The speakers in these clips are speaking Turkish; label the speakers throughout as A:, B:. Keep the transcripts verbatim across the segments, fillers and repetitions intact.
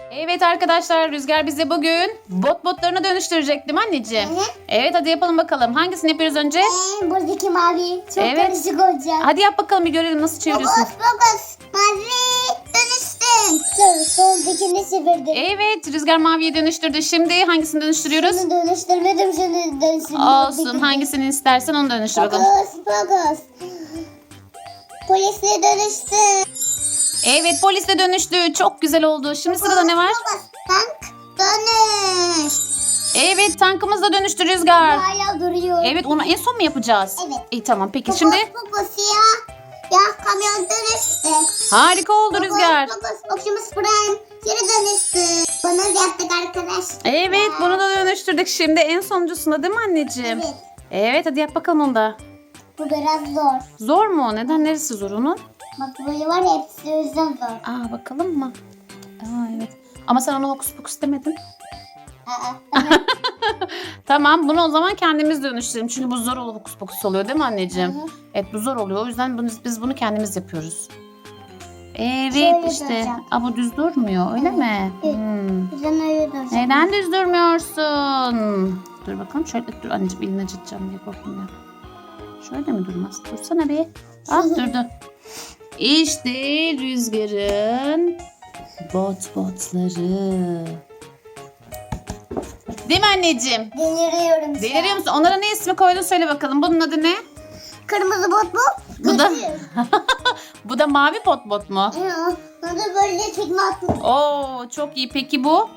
A: Evet arkadaşlar, Rüzgar bize bugün bot botlarını dönüştürecek değil mi anneciğim?
B: Hı hı.
A: Evet, hadi yapalım bakalım. Hangisini yapıyoruz önce?
B: Ee, buradaki mavi çok
A: Evet.
B: karışık olacak.
A: Hadi yap bakalım, bir görelim nasıl çeviriyorsun.
B: Fokus fokus. Mavi dönüştün. Sol, soldakini çevirdim.
A: Evet, Rüzgar maviye dönüştürdü. Şimdi hangisini dönüştürüyoruz?
B: Şunu dönüştürmedim, şunu dönüştürmedim.
A: Olsun, hangisini istersen onu dönüştür bakalım.
B: Fokus fokus. Polise dönüştü.
A: Evet, polis de dönüştü. Çok güzel oldu. Şimdi sırada ne var?
B: Fokus. Tank dönüş.
A: Evet, tankımız da dönüştü Rüzgar.
B: Hala duruyor.
A: Evet, onu en son mu yapacağız?
B: Evet.
A: İyi, tamam, peki
B: Fokus
A: şimdi
B: fokus ya. Ya kamyon dönüştü.
A: harika oldu Rüzgar.
B: Fokus fokus. Optimus Prime geri dönüştü. Bunu yaptık arkadaş.
A: Evet, bunu da dönüştürdük. Şimdi en sonuncusunda değil mi anneciğim?
B: Evet.
A: Evet, hadi yap bakalım onu da.
B: Bu biraz zor.
A: Zor mu? Neden? Neresi zor onun?
B: Bak böyle var ya, hepsi o yüzden zor.
A: Aa, bakalım mı? Aa, evet. Ama sen ona hokus pokus demedin.
B: Aa, tamam.
A: Tamam, bunu o zaman kendimiz dönüştürelim. Çünkü bu zor oluyor, hokus pokus oluyor değil mi anneciğim?
B: Hı hı.
A: Evet, bu zor oluyor. O yüzden bunu, biz bunu kendimiz yapıyoruz. Evet
B: Şöyle
A: işte.
B: duracağım.
A: Aa, bu düz durmuyor öyle mi?
B: Evet.
A: Hmm.
B: Bizden öyle duracak.
A: Neden düz durmuyorsun? Dur bakalım, şöyle dur anneciğim, elini acıtacağım diye korktum ya. Şöyle mi durmaz? Dursana bir. Ah, durdu. İşte Rüzgar'ın bot botları. Değil mi anneciğim?
B: Deliriyorum şu
A: Deliriyor
B: an.
A: musun? Onlara ne ismi koydun söyle bakalım. Bunun adı ne?
B: Kırmızı bot bu.
A: Bu da
B: Kırmızı.
A: bu da mavi bot bot mu?
B: Ya, bunu da böyle tekme attım.
A: Oo, çok iyi. Peki bu?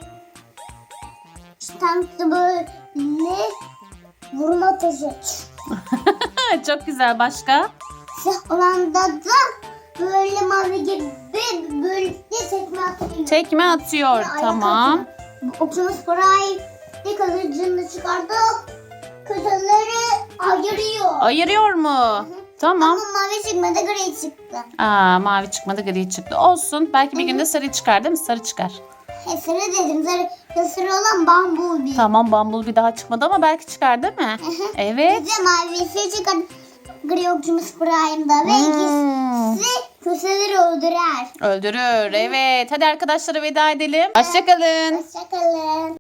B: Tankta böyle vurma taşı.
A: Çok güzel. Başka?
B: Siyah olan da da böyle mavi gibi böyle tekme atıyor.
A: Tekme atıyor.
B: Ayak
A: Tamam.
B: atıyor. Bu Optimus Prime ne kılıcını çıkardı. Kötüleri ayırıyor.
A: Ayırıyor mu? Tamam.
B: Ama mavi çıkmadı, gri çıktı.
A: Aa, mavi çıkmadı, gri çıktı. Olsun. Belki bir günde sarı çıkar değil mi? Sarı çıkar.
B: He, sarı dedim. Sarı, sarı olan Bumblebee.
A: Tamam, Bumblebee daha çıkmadı ama belki çıkar değil mi? Evet.
B: Bir de mavisi çıkar. Gri Optimus Prime'da ve
A: Hmm.
B: ikisi kötüleri öldürer.
A: Öldürür. Evet. Hadi arkadaşlara veda edelim. Hoşçakalın.
B: Hoşçakalın.